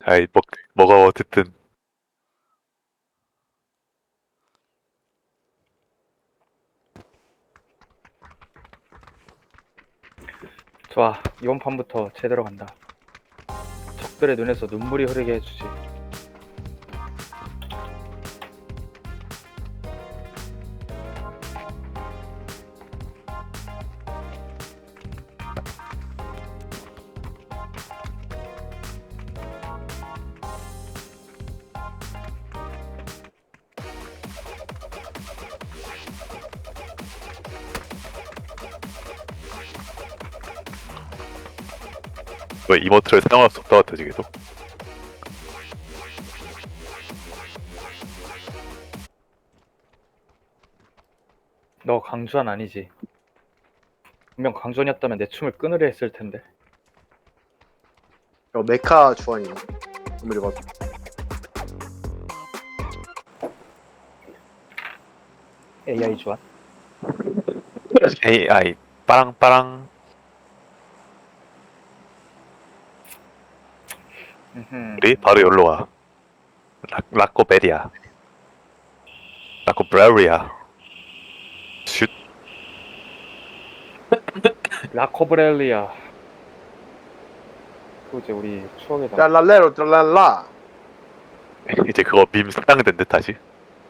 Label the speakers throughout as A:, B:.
A: 아이 뭐가 어쨌든
B: 좋아, 이번 판부터 제대로 간다. 적들의 눈에서 눈물이 흐르게 해주지.
A: 왜 이모트를 사용할 수 없다 같아 지금도.
B: 너 강주한 아니지? 분명 강주한이었다면 내 춤을 끊으려 했을 텐데.
C: 메카 주환이 아무리 봐도.
B: AI 주한?
A: AI 빠랑빠랑. 우리 바로 여기로 와. 라코베리아. 라코브라리아. 슛.
B: 라코브렐리아. 또 이제 우리 추억의 장.
C: 랄랄레로 랄랄라.
A: 이제 그거 밈 상당된 듯 하지.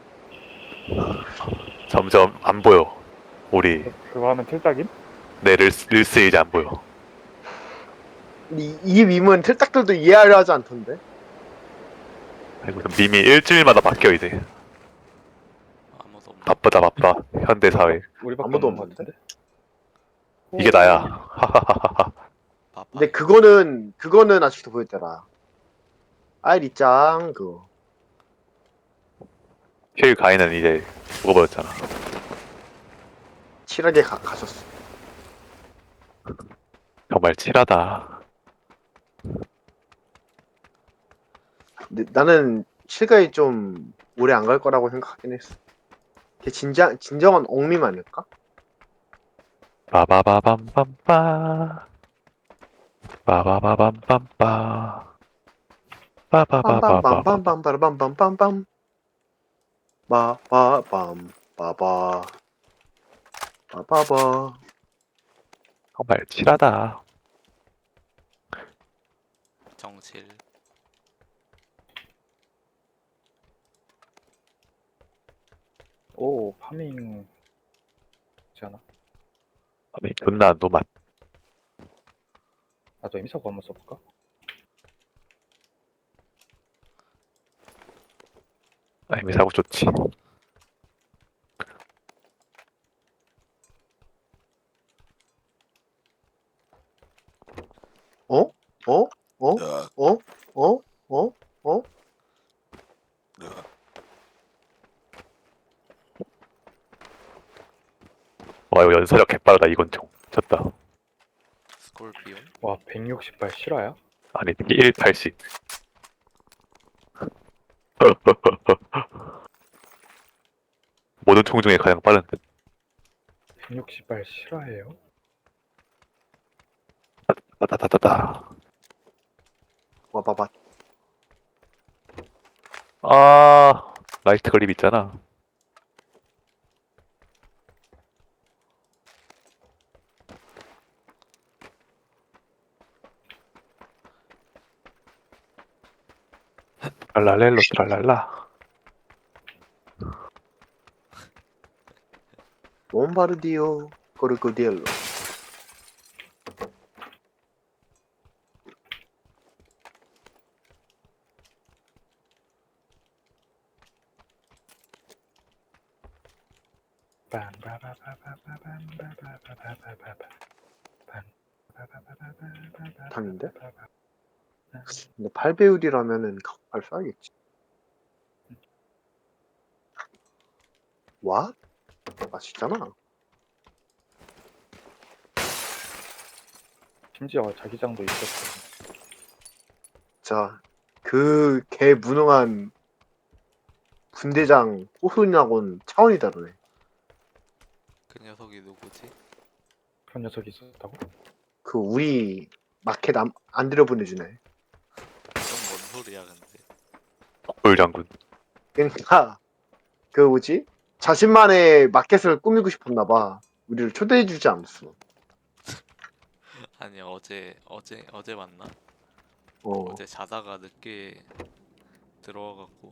A: 점점 안 보여. 우리
B: 그거 하면 틀딱임?
A: 내 릴스 이제 안 보여.
C: 이 밈은 틀딱들도 이해하려 하지 않던데.
A: 아이고, 밈이 일주일마다 바뀌어 이제.
D: 아무도 없네.
A: 바쁘다 바빠. 현대 사회.
B: 우리밖에
C: 아무도
B: 없는 것
C: 없는데?
B: 같은데?
A: 이게 나야. 하하하하.
D: 바빠.
C: 근데 그거는 아직도 보였더라. 아이리짱 그거.
A: 힐 가인은 이제 죽어버렸잖아.
C: 칠하게 가셨어.
A: 정말 칠하다.
C: 근데 나는 실가이 좀 오래 안 갈 거라고 생각하긴 했어. 걔 진정한 옥밈 아닐까?
A: 빠바바밤밤빠. 빠바바밤밤빠. 빠바바바밤.
C: 빰빰빰빰빰빰빰빰빰빰 빠빠빰 빠바 빠바바.
A: 정말 칠하다.
D: 정칠.
B: 오, 파밍. 있지 않아?
A: 아니 존나 노맛.
B: 나도 임사고 한번 써볼까?
A: 아니 사고 좋지.
C: 어? 어? 어? 어? 어? 어? 어?
A: 와 이거 연사력 개빠르다 이건 총. 졌다.
D: 스콜피온.
B: 와, 160발 실화야?
A: 아니 180. 모든 총 중에 가장 빠른.
B: 160발 실화예요?
A: 따다다다다.
C: 와봐봐.
A: 아 라이트 그립 있잖아. 랄랄렐로 트랄랄라.
C: 몬바르디오 코르코디엘로. 당인데? 근데 8배율이라면은 각발 쏴야겠지. 와? 맛있잖아.
B: 심지어 자기장도 있었어.
C: 자, 그 개 무능한 군대장 호순이하고는 차원이 다르네.
D: 그 녀석이 누구지?
B: 그런 녀석이 있었다고?
C: 그 우리 마켓 안 들여보내주네.
D: 그건 뭔 소리야 근데.
A: 불장군.
C: 그러니까 그 뭐지? 자신만의 마켓을 꾸미고 싶었나 봐. 우리를 초대해주지 않았어.
D: 아니 어제 맞나?
C: 어.
D: 어제 자다가 늦게 들어와갖고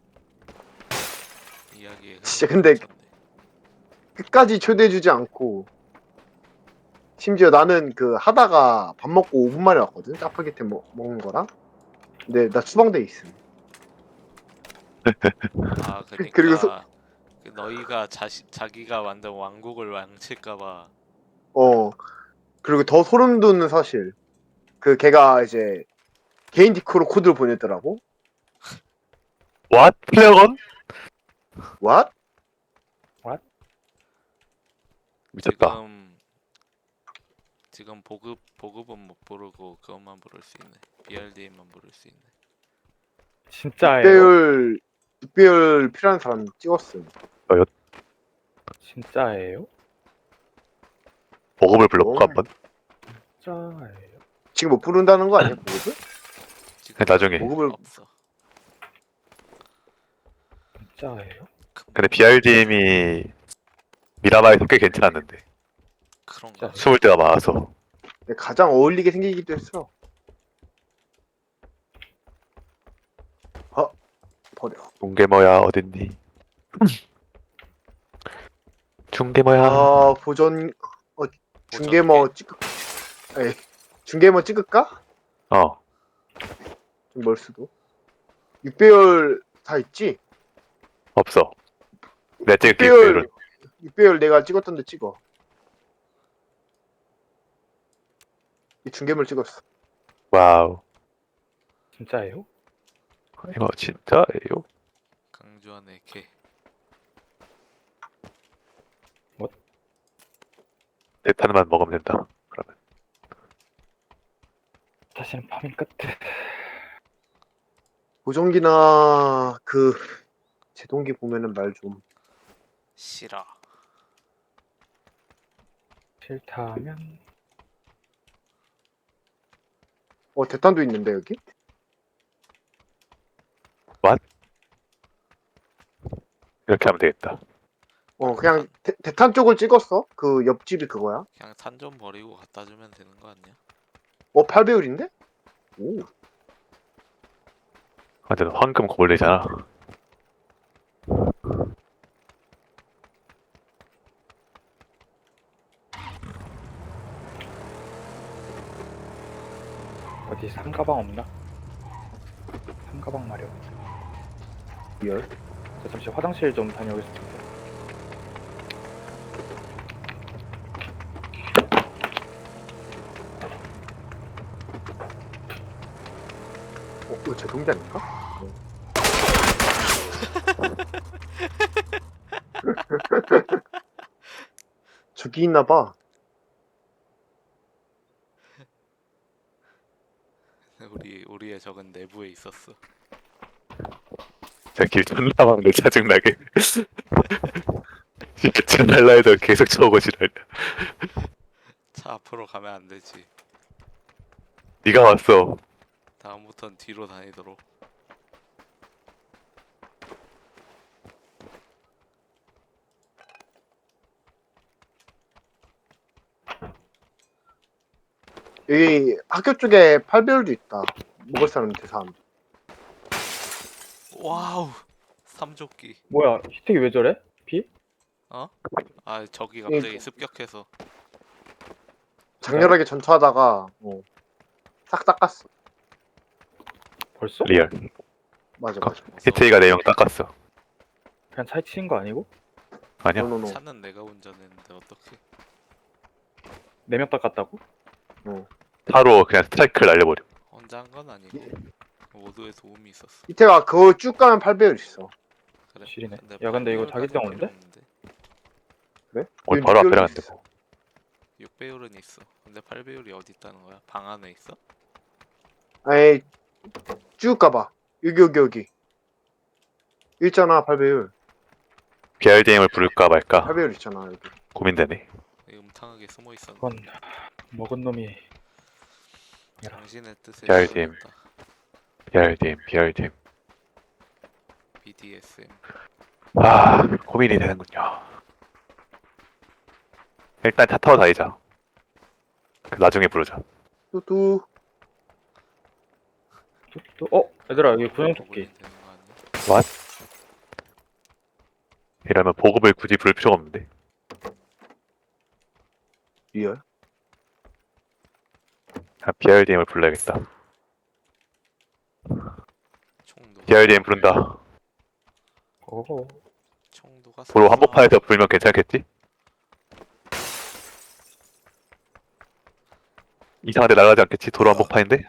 D: 이야기에
C: 진짜 근데
D: 쳤네.
C: 끝까지 초대해주지 않고 심지어 나는 그 하다가 밥 먹고 5분 만에 왔거든. 짜파게티 먹는 거랑. 근데 나 추방돼 있음.
D: 아
C: 그리고
D: 그니까 그 너희가 자기가 만든 왕국을 망칠까봐.
C: 그리고 더 소름 돋는 사실. 그 걔가 이제 개인 디코로 코드를 보냈더라고.
A: What? 플레어건?
C: What?
A: 미쳤다.
D: 지금 보급은 못 부르고 그것만 부를 수 있네. BRDM만 부를 수 있네.
B: 진짜예요?
C: 6배율 필요한 사람 찍었음.
B: 진짜예요?
A: 보급을 불러볼까 한번?
B: 진짜예요?
C: 지금 못 부른다는 거 아니야, 보급을?
D: 지금
A: 나중에.
C: 보급을
D: 없어.
B: 진짜예요?
A: 근데 BRDM이 미라마에서 꽤 괜찮았는데
D: 그런가?
A: 숨을 데가 많아서.
C: 가장 어울리게 생기기도 했어. 버려.
A: 중계머야 어딨니? 중계머야.
C: 보존, 중계머 찍을까? 에이, 중계머 찍을까?
A: 어.
C: 좀 멀 수도. 6배율 다 있지?
A: 없어. 내가 찍을게
C: 6배율,
A: 6배율은.
C: 6배율 내가 찍었던데 찍어. 이 중계물 찍었어.
A: 와우.
B: 진짜예요?
A: 이거 진짜예요?
D: 강주환의 개.
A: 대탄만 먹으면 된다. 그러면
B: 다시는 파밍 끝.
C: 보정기나 그 제동기 보면은 말 좀.
D: 싫어.
B: 싫다면
C: 대탄도 있는데 여기?
A: 이렇게 하면 되겠다.
C: 그냥 대탄 쪽을 찍었어. 그 옆집이 그거야.
D: 그냥 탄 좀 버리고 갖다 주면 되는 거 아니야?
C: 8배율인데? 오.
A: 근데 너 황금 고블린이잖아.
B: 어디 상가방 없나? 상가방 마련.
C: 리얼.
B: 저 잠시 화장실 좀 다녀오겠습니다.
C: 이거 제동기 아닐까? 저기 있나봐.
D: 우리의 적은 내부에 있었어.
A: 길 존나 막내 짜증나게. 진 날라해도 계속 쳐오고 지랄.
D: 차 앞으로 가면 안 되지.
A: 네가 왔어.
D: 다음부턴 뒤로 다니도록.
C: 여기 학교 쪽에 8배율도 있다. 먹을 사람 대삼.
D: 와우. 삼조끼.
B: 뭐야, 히트기 왜 저래? 비?
D: 어? 아 저기 갑자기 습격해서.
C: 장렬하게 전투하다가 싹 닦았어.
B: 벌써?
A: 리얼.
C: 맞아.
A: 히트이가 내용 닦았어.
B: 그냥 차에 치는 거 아니고?
A: 아니야.
C: 노노노.
D: 차는 내가 운전했는데 어떻게?
B: 4명 닦았다고?
A: 차로 그냥 스트라이크를 날려버려.
D: 혼자 한 건 아니고 모두의 도움이 있었어.
C: 이태가 그거 쭉 가면 8배율 있어.
D: 그래.
B: 지리네.
D: 근데
B: 야, 근데 이거
D: 8배율까지는
B: 자기장
D: 필요
B: 없는데?
D: 없는데.
C: 그래?
A: 오늘 바로 앞에
C: 6배율도
A: 나갔는데
C: 있어.
A: 뭐.
D: 6배율은 있어. 근데 8배율이 어디 있다는 거야? 방 안에 있어?
C: 아이, 쭉 가봐. 여기. 있잖아, 8배율.
A: BRDM을 부를까 말까
C: 8배율 있잖아, 여기.
A: 고민되네.
D: 음탕하게 숨어 있었네.
B: 그건 먹은 놈이
D: 당신의 뜻에
A: BRDM.
D: 따르겠다.
A: BRDM.
D: BDSM.
A: 아, 고민이 되는군요. 일단 차 타고 다니자. 나중에 부르자.
C: 뚜뚜.
B: 얘들아 여기 구명조끼.
D: 되는 거 아니야?
A: What? 이러면 보급을 굳이 부를 필요가 없는데.
C: 리얼?
A: 아, BRDM을 불러야겠다.
D: 총 누가
A: BRDM 부른다.
B: 오.
D: 총 누가
A: 도로
D: 쐈어?
A: 한복판에서 불면 괜찮겠지? 이상한 데 날아가지 않겠지? 도로 한복판인데?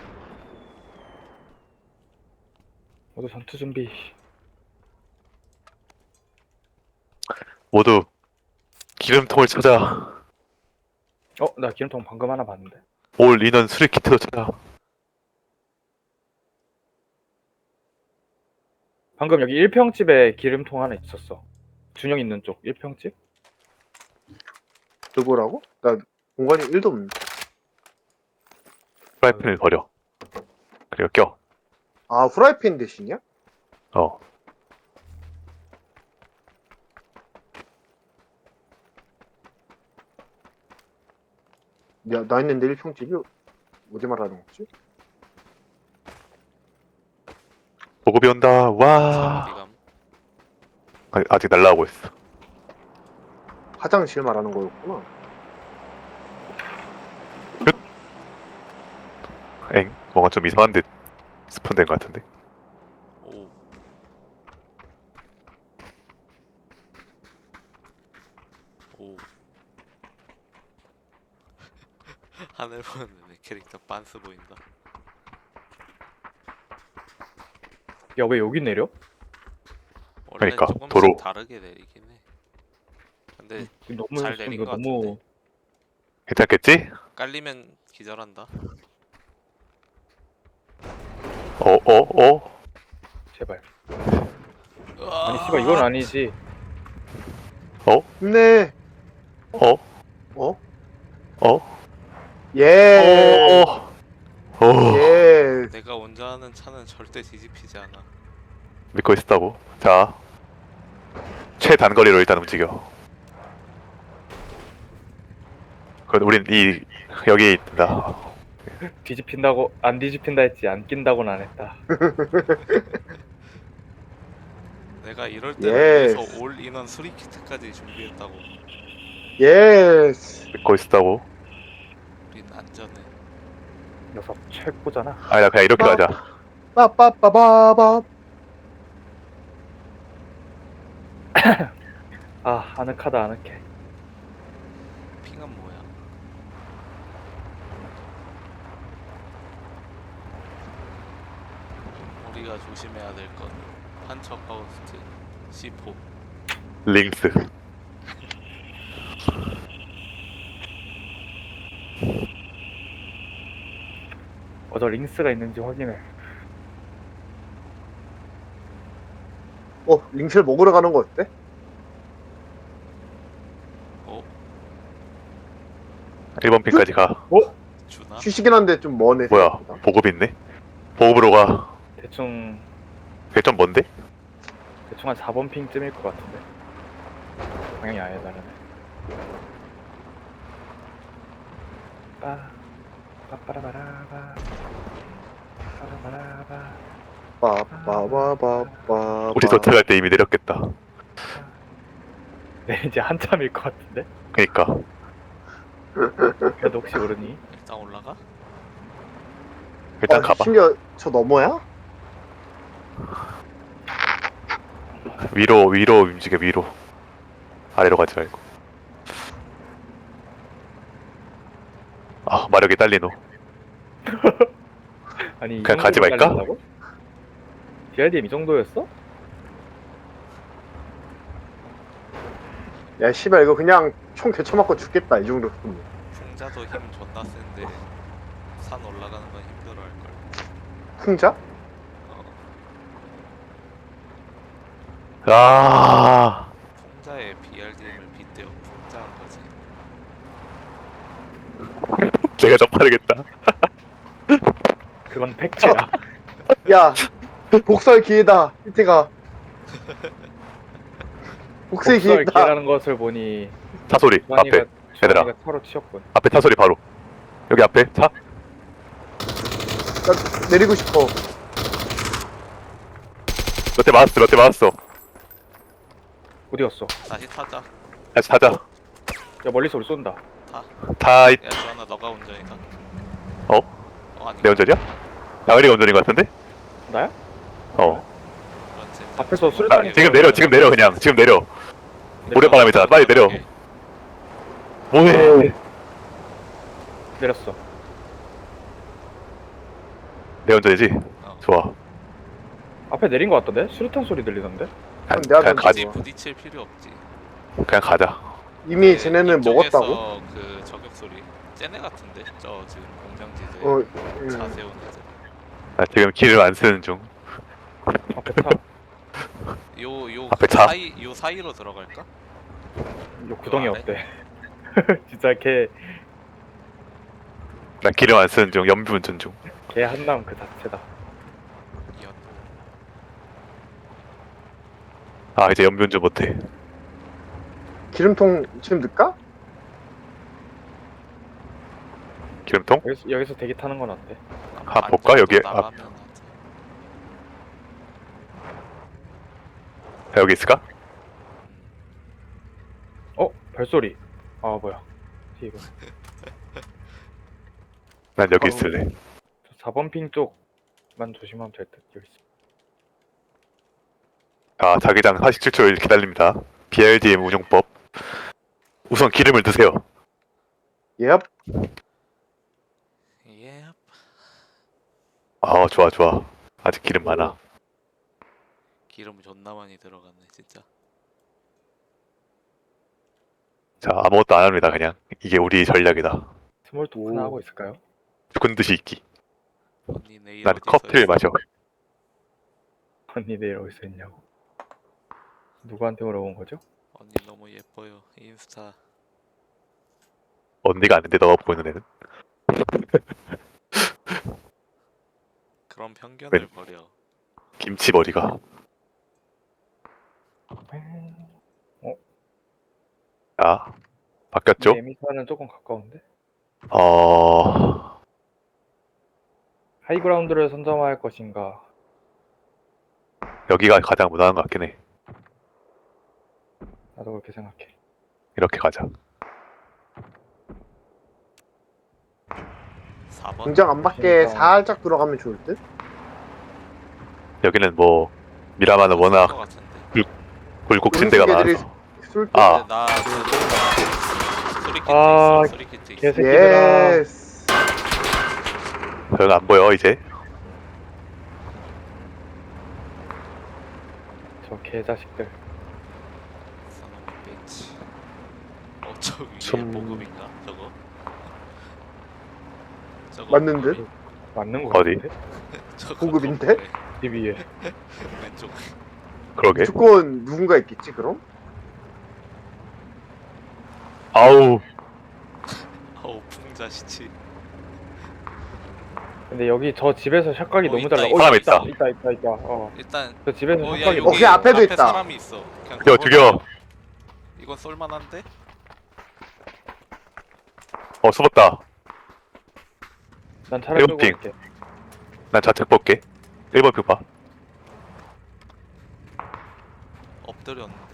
B: 모두 전투 준비.
A: 모두 기름통을 찾아.
B: 나 기름통 방금 하나 봤는데.
A: 올 인원 수리 키트도 찾아.
B: 방금 여기 1평집에 기름통 하나 있었어. 준영 있는 쪽 1평집?
C: 누구라고? 나 공간이 1도 없는데.
A: 프라이팬을 버려. 그리고 껴.
C: 아, 후라이팬 대신이야?
A: 어.
C: 야, 나 있는데 1평집이 어디 말하는 거지?
A: 보급이 온다.
D: 어디
A: 와.
D: 감?
A: 아직 날라오고 있어.
C: 화장실 말하는 거였구나.
A: 엥? 뭔가 좀 이상한 데 스폰된 것 같은데.
D: 오. 오. 하늘 보는데 내 캐릭터 빤스 보인다.
B: 야 왜 여기 내려?
D: 원래
A: 그러니까,
D: 조금씩
A: 도로.
D: 다르게 내리긴 해. 근데
B: 너무
D: 잘 내린
B: 이거
D: 것
B: 너무
A: 괜찮겠지?
D: 깔리면 기절한다.
A: 어?
B: 제발. 아니 씨발 이건 아니지.
C: 힘내.
A: 어?
C: 예.
A: 어?
C: 예.
D: 내가 운전하는 차는 절대 뒤집히지 않아.
A: 믿고 있었다고. 자, 최단거리로 일단 움직여. 그럼 우린 여기 있다.
B: 뒤집힌다고 안 뒤집힌다 했지 안 낀다고는 안 했다.
D: 내가 이럴 때를
C: 예스.
D: 위해서 올 인원 수리 키트까지 준비했다고.
C: 예스.
A: 믿고 있었다고.
D: 우린 안전해.
B: 녀석 최고잖아.
A: 아니 나 그냥 이렇게 가자.
C: 빠빠빠바바.
B: 아 아늑하다 아늑해.
D: 핑은 뭐야? 우리가 조심해야 될 건 판처 파우스트 C4.
A: 링스.
B: 저 링스가 있는지 확인해.
C: 링셀 먹으러 가는 거 어때?
D: 어?
A: 1번 핀까지 가.
D: 주나?
C: 휴식이긴 한데 좀 머네.
A: 뭐야?
C: 생각보다.
A: 보급 있네? 보급으로 가.
B: 대충
A: 그게 좀 뭔데?
B: 한 4번 핑쯤일 것 같은데. 방향이 아예 다르네. 빠빠라바라바 빠라바라바.
C: 빠빠바바바.
A: 우리 도착할 때 이미 내렸겠다.
B: 네 이제 한참일 것 같은데.
A: 그니까.
B: 그래도 혹시 모르니?
D: 일단 올라가?
A: 일단 가봐.
C: 심지어 저 너머야?
A: 위로 움직여, 위로. 아래로 가지 말고. 아, 마력이 딸리노.
B: 아니 이
A: 그냥 가지
B: 정도로
A: 말까?
B: 깔린다고? DRDM 이 정도였어?
C: 야, 씨발 이거 그냥 총 개쳐맞고 죽겠다 이 정도.
D: 풍자도 힘 존나 센데 산 올라가는 건 힘들어 할걸.
C: 풍자?
A: 아,
D: 풍자의 BRDM을 빗대어 풍자한 거지.
A: 내가 더 빠르겠다.
B: 그건 팩트야.
C: 야, 복수할 기회다. 이태가. 복수의
B: 복수할
C: 기회다.
B: 기회라는 것을 보니
A: 차 소리 앞에. 얘들아.
B: 주환이가 차로 치웠군.
A: 앞에 차 소리 바로. 여기 앞에 차?
C: 나 내리고 싶어.
A: 몇 대 맞았어.
B: 어디 갔어?
D: 다시 타자.
A: 다시 타자.
B: 야 멀리서 우리 쏜다.
A: 타,
D: 야 주환아 너가 운전이다. 아니.
A: 내 운전이야? 나으리가 운전인 것 같은데?
B: 나야?
D: 그렇지.
B: 앞에서 수류탄이
A: 지금 내려 그냥. 지금 내려. 모래바람이잖아. 빨리 내려.
D: 오케이.
A: 뭐해?
B: 내렸어.
A: 내 운전이지?
D: 어.
A: 좋아.
B: 앞에 내린 것 같던데? 수류탄 소리 들리던데?
C: 그럼 내가
A: 그냥 가지.
D: 굳이 부딪힐 필요 없지.
A: 그냥 가자.
C: 이미 쟤네는
D: 이쪽에서
C: 먹었다고?
D: 그 저격 소리. 쟤네 같은데? 저 지금 공장지대
C: 어,
D: 차 세우는 애들.
A: 나 지금 길을 안 쓰는 중.
B: 앞에 차.
D: 요
A: 앞에 차?
D: 요 사이로 들어갈까?
B: 요 구덩이
D: 안에?
B: 어때? 진짜 걔
A: 난 길을 안 쓰는 중. 연비 운전 중.
B: 한남 그 자체다.
D: 이연.
A: 아 이제 연비 운전 못해.
C: 기름통 지금 넣을까?
A: 기름통?
B: 여기서 대기 타는 건 어때?
A: 한번 볼까? 여기
D: 나가면 하지.
A: 여기 있을까?
B: 어? 별소리. 아 뭐야? 이거.
A: 난 여기
B: 아우.
A: 있을래.
B: 4번 핑 쪽만 조심하면 될 듯. 여기 있어.
A: 자 자기장 47초 기다립니다. BRDM 운용법. 우선 기름을 드세요.
C: 예.
D: 예.
A: 아 좋아. 아직 기름 많아.
D: 기름 존나 많이 들어갔네 진짜.
A: 자 아무것도 안 합니다. 그냥 이게 우리 전략이다.
B: 스몰 토크나 하고 있을까요?
A: 죽은 듯이 있기.
D: 언니 내일
A: 난
D: 어디서
A: 커피를
D: 있어?
A: 마셔.
B: 언니 내일 어디서 있냐고. 누구한테 물어본 거죠?
D: 언니 너무 예뻐요. 인스타.
A: 언니가 아닌데 너가 보고 있는 애는?
D: 그런 편견을
A: 웬-
D: 버려.
A: 김치 머리가. 자 바뀌었죠?
B: 에미사는 조금 가까운데?
A: 어...
B: 하이그라운드를 선점할 것인가?
A: 여기가 가장 무난한 것 같긴 해.
B: 나도 그렇게 생각해.
A: 이렇게 가자.
D: 4번.
C: 공장 안 밖에
B: 그러니까.
C: 살짝 들어가면 좋을 듯?
A: 여기는 뭐 미라마는 워낙
D: 것 같은데.
A: 굴곡진 데가
C: 음식 애들이
A: 많아서.
C: 쏠
A: 아.
D: 나 소리키트
B: 아,
D: 있어. 소리키트 있어.
B: 개새끼들아.
C: 예스.
A: 여기 안 보여 이제?
B: 저 개자식들.
D: 선언 벤치. 저 위에
A: 좀-
D: 보급인가? 저거? 저거
C: 맞는 듯?
D: 보급이-
B: 맞는 거
A: 어디?
B: 같은데?
D: 저거
C: 보급인데?
D: 보급에
B: 집 위에.
D: 왼쪽.
A: 그러게.
C: 무조건 누군가 있겠지 그럼?
A: 아우
D: 아우 풍자시치.
B: 근데 여기 저 집에서 샷각이
D: 어,
B: 너무
D: 있다,
B: 잘 나.
D: 있다,
A: 사람
B: 있다. 어.
D: 일단
B: 저 집에서
D: 야,
B: 샷각이
D: 여기,
B: 너무
C: 그 앞에도
D: 앞에
C: 있다.
D: 사람이 있어. 그냥
A: 죽여, 죽여.
D: 이건 쏠만한데?
A: 숨었다.
B: 난 차를 끌고
A: 핑.
B: 갈게.
A: 난 좌측 볼게. 1번 표 봐.
D: 엎드렸는데.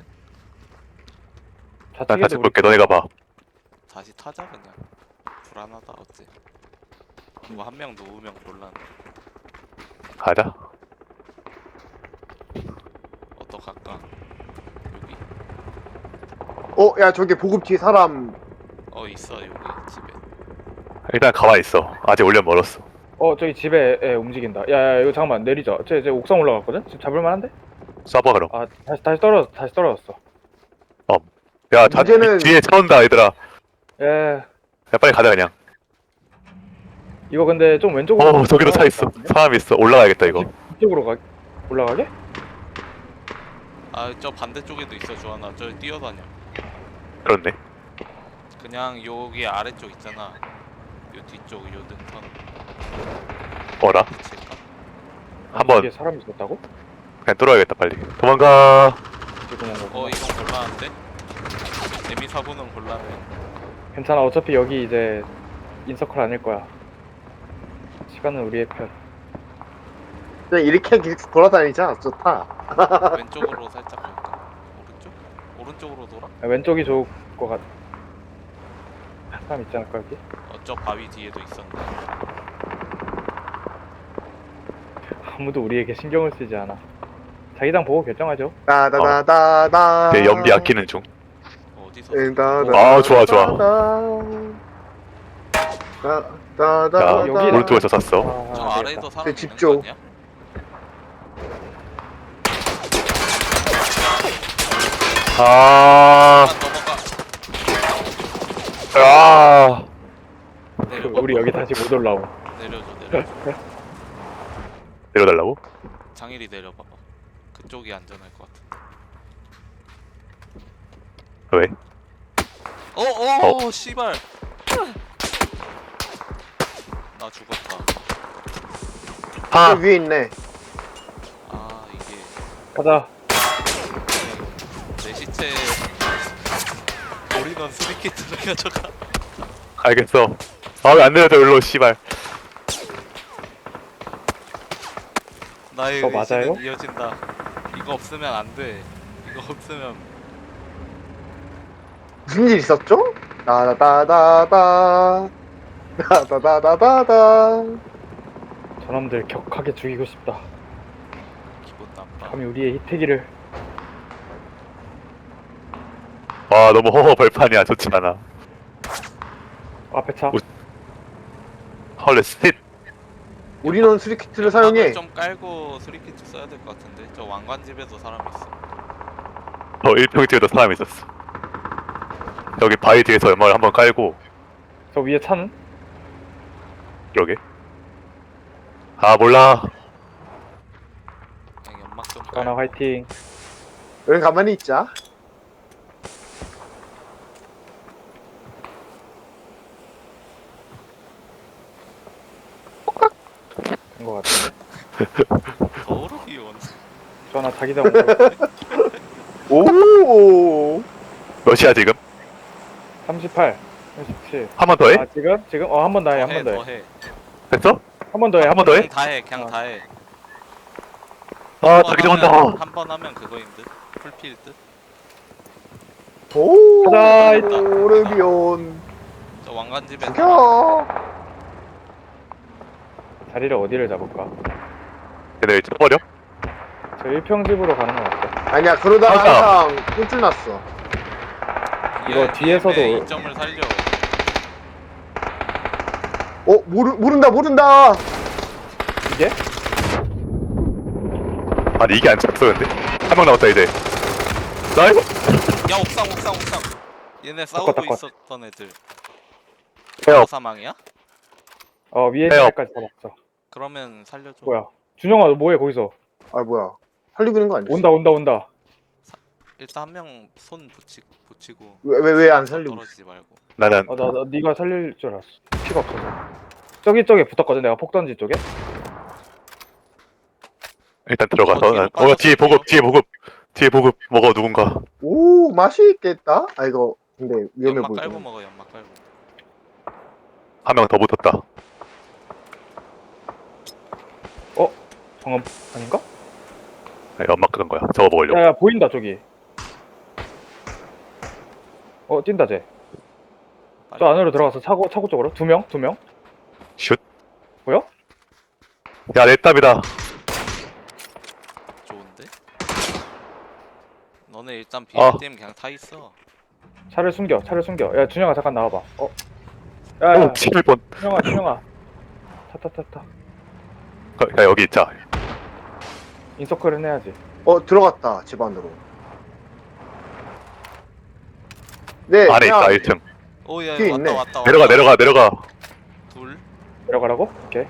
A: 난
B: 좌측에도
A: 좌측
B: 우리
A: 볼게. 너네가 봐.
D: 다시 타자 그냥. 불안하다 어째. 이거 한 명 누우면 곤란.
A: 가자.
D: 어떡할까? 여기.
C: 야 저기 보급 뒤에 사람.
D: 있어 여기 집에.
A: 일단 가만히 있어. 아직 올려 멀었어.
B: 저기 집에 움직인다. 야, 이거 잠깐만 내리자. 쟤 옥상 올라갔거든? 지금 잡을 만한데?
A: 쏴봐 그럼.
B: 아, 다시 떨어졌어.
A: 야
C: 문제는-
A: 뒤에 차 온다 얘들아.
B: 예.
A: 야 빨리 가자 그냥.
B: 이거 근데 좀 왼쪽으로.
A: 저기도 차 있어. 사람 있어. 올라가야겠다 이거.
B: 이쪽으로 올라가게?
D: 저 반대쪽에도 있어 주하나. 저 뛰어다녀.
A: 그렇네.
D: 그냥 여기 아래쪽 있잖아. 요 뒤쪽 요 능선
A: 어라?
D: 붙일까?
A: 한번
B: 뒤에 사람이 있었다고?
A: 그냥 뚫어야겠다 빨리. 도망가.
B: 이제 그냥 가.
D: 이건 곤란한데? 데미 사고는 곤란해.
B: 괜찮아. 어차피 여기 이제 인서클 아닐 거야. 시간은 우리의 편.
C: 그냥 이렇게 계속 돌아다니자. 좋다.
D: 왼쪽으로 살짝 갈까? 오른쪽? 오른쪽으로 돌아?
B: 왼쪽이 좋을 것 같. 사람 있지 않을까 여기?
D: 저 바위 뒤에도 있었는데.
B: 아무도 우리에게 신경을 쓰지 않아. 자기당 보고 결정하죠.
C: 따다다다다.
A: 내 연비 아끼는 중.
D: 어디서?
A: 아, 좋아, 좋아.
C: 따다다.
A: 야,
B: 여기
A: 오른쪽에서 쐈어.
D: 저
B: 아,
D: 아래에도 사람 있는
C: 집중.
D: 거 아니야?
A: 아,
D: 넘어가.
A: 아,
D: 내려봐.
B: 우리 여기 다시 못 올라오.
D: 내려줘 내려줘.
A: 내려달라고?
D: 장일이 내려봐봐. 그쪽이 안전할 것 같아.
A: 왜?
D: 씨발. 나 죽었다.
A: 아,
C: 저 위에 있네.
D: 아 이게
B: 가자.
D: 내 시체 올인원 스리키트를 가져가.
A: 알겠어. 아, 왜 안 내려져, 일로, 씨발.
D: 나의
B: 그거
D: 의지는
B: 맞아요?
D: 이어진다. 이거 없으면 안 돼. 이거 없으면
C: 무슨 일 있었죠? 따다다다다. 따다다다다다.
B: 저놈들 격하게 죽이고 싶다.
D: 기분 나빠.
B: 감히 우리의 희태기를.
A: 와, 너무 허허 벌판이야. 좋지 않아.
B: 앞에 차.
A: 헐레, 스핏.
C: 우리는 스리키트를 사용해.
D: 좀 깔고 스리키트 써야 될 것 같은데. 저 왕관집에도 사람 있어.
A: 저 1평 뒤에도 사람이 있었어. 여기 바위 뒤에서 연막을 한번 깔고,
B: 저 위에 차는?
A: 그러게. 아, 몰라.
D: 그냥 연막 좀
B: 가나
D: 깔고.
B: 화이팅.
C: 여기 가만히 있자.
B: 된 것 같은데.
D: 더러기 원.
B: 저 하나 자기장
C: 오.
A: 몇이야, 지금?
B: 38, 37.
A: 한 번 더 해?
B: 아 지금? 한 번 더 해, 한 번 더 해.
D: 더해.
A: 됐어?
B: 한 번 더 해,
A: 한 번 더 해?
D: 그냥 다 해. 그냥 다 해.
A: 아, 자기 한다.
D: 한번 하면 그거인 듯. 풀필 듯.
C: 오.
B: 가자.
C: 오르비온.
D: 저 왕관집에
C: 죽여.
B: 자리를 어디를 잡을까?
A: 걔네 쳐버려?
B: 저 1평집으로 가는 건 어때?
C: 아니야, 그러다가
A: 맞아.
C: 항상 꿀줄 났어.
B: 이거 뒤에서도-
D: 이점을 살려.
C: 모른다.
B: 이게?
A: 아니, 이게 안 쳤어, 근데. 한 명 남았다, 이제. 나 이거.
D: 야 옥상. 얘네 싸우고
B: 닦아.
D: 있었던 애들.
A: 헤어.
D: 사망이야?
B: 위에
A: 해요.
B: 차까지 잡았어.
D: 그러면 살려줘.
B: 뭐야? 준영아, 너 뭐해 거기서?
C: 아, 뭐야. 살리고 있는 거 아니야?
B: 온다.
D: 일단 한 명 손 붙이고.
C: 왜 안 살리고 있어?
D: 떨어지지 말고.
A: 나는
B: 나 네가 살릴 줄 알았어. 피가 없어서. 저기 붙었거든, 내가 폭던지 쪽에.
A: 일단 들어가서.
D: 뒤로 빠졌어,
A: 뒤에 보급 먹어, 누군가.
C: 오, 맛있겠다. 아, 이거 근데 위험해
D: 연막
C: 보이네.
D: 깔고 먹어. 연막 깔고.
A: 한 명 더 붙었다.
B: 방금 아닌가?
A: 네, 연막 끄는 거야. 저거 먹으려고.
B: 야, 보인다 저기. 뛴다 쟤. 저
D: 빨리.
B: 안으로 들어가서 차고 쪽으로 두 명.
A: 슛.
B: 보여?
A: 야, 내 땀이다.
D: 좋은데? 너네 일단
A: 아.
D: BM 그냥 타 있어.
B: 차를 숨겨. 야, 준영아 잠깐 나와봐. 야,
A: 오, 11번.
B: 준영아. 타.
A: 야, 여기 있자.
B: 인서클은 해야지.
C: 들어갔다. 집 안으로. 네,
A: 안에 있다,
C: 그냥
A: 1층.
D: 오야
C: 뒤에 있네.
D: 왔다.
A: 내려가.
D: 둘.
B: 내려가라고? 오케이.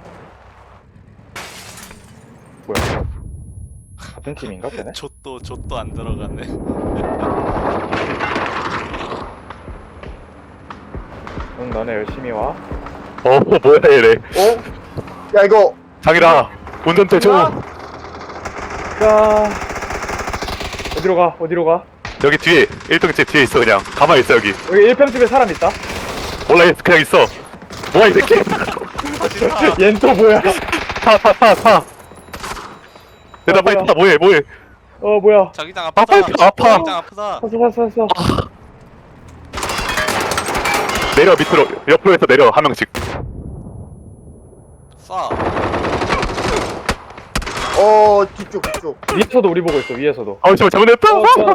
B: 뭐야? 같은 팀인가 걔네?
D: 좆도 안 들어가네.
B: 응, 너네 열심히 와.
A: 뭐야, 얘네.
C: 야, 이거
A: 장이라, 운전대 줘.
C: 누나?
B: 가. 어디로 가? 어디로 가?
A: 여기 뒤에 1평집 뒤에 있어 그냥 가만히 있어 여기.
B: 여기 1평집에 사람 있다.
A: 몰라 그냥 있어. 뭐야 이 새끼.
D: 진짜
B: 얜 또 뭐야?
A: 타. 내가 빨리
B: 뭐야.
A: 타 뭐해.
B: 뭐야?
D: 자기장
A: 아파,
D: 아프다.
A: 아파.
D: 자기장 아프다.
B: 샀어.
A: 내려 밑으로 옆으로 해서 내려 한 명씩.
D: 쏴.
C: 뒤쪽.
B: 위에서도 우리 보고 있어. 위에서도.
A: 아 잠깐만 잘못했다.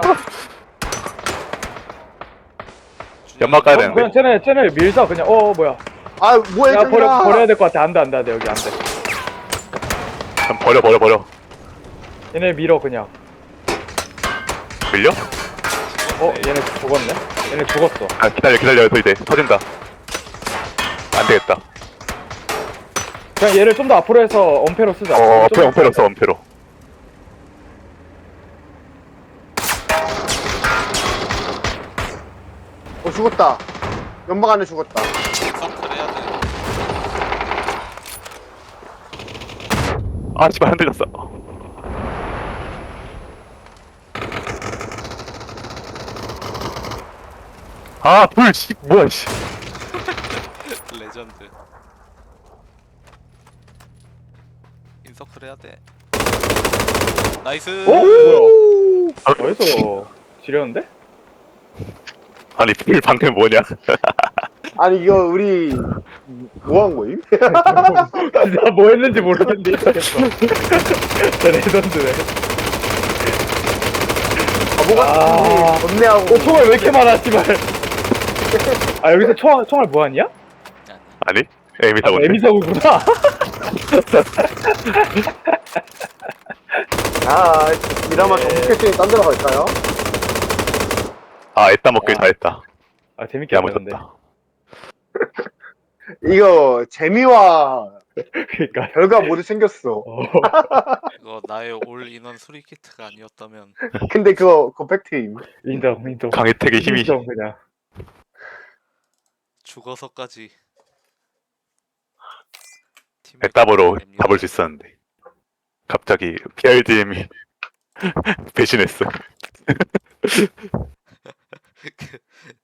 A: 연막 가야
B: 그냥
A: 되는데.
B: 쟤네 밀자 그냥. 뭐야?
C: 아, 뭐야,
B: 야
C: 저기라.
B: 버려야 될 것 같아. 안돼 여기 안돼.
A: 그럼 버려.
B: 얘네 밀어 그냥.
A: 밀려?
B: 얘네 죽었네? 얘네 죽었어.
A: 아 기다려 또 이제 터진다. 안 되겠다.
B: 그냥 얘를 좀 더 앞으로 해서 엄폐로 쓰자.
A: 엄폐로 써 엄폐로.
C: 죽었다. 연막 안에 죽었다.
D: 서클 해야 돼.
A: 아 씨발 흔들렸어. 씨 뭐야 씨.
D: 레전드. 인서클 해야 돼. 나이스.
B: 뭐야?
A: 아,
B: 어디서 지렸는데?
A: 아니 필 방금 뭐냐?
C: 아니, 이거 우리, 뭐 한 거임?
B: 나 뭐 했는지 모르겠는데 이상했어. 저 레전드네.
C: 바보같이 건네하고.
B: 총알 왜 이렇게 많아 씨발. 여기서 총알 무한이야?
A: 아니 에미 사고.
B: 에미사구구나.
C: 이라마 정복했으니 딴 데로 갈까요?
A: 애따 먹길 잘했다.
B: 재밌게 하는데.
A: 야무졌다.
C: 이거, 재미와
B: 그니까.
C: 결과 모두 생겼어.
D: 이거 나의 올 인원 수리 키트가 아니었다면
C: 근데 그거 팩트임.
B: 인정.
A: 강혜택의 힘이.
B: 인정 그냥.
D: 죽어서까지
A: 애따으로 잡을 수 있었는데 갑자기 PRDM이 배신했어.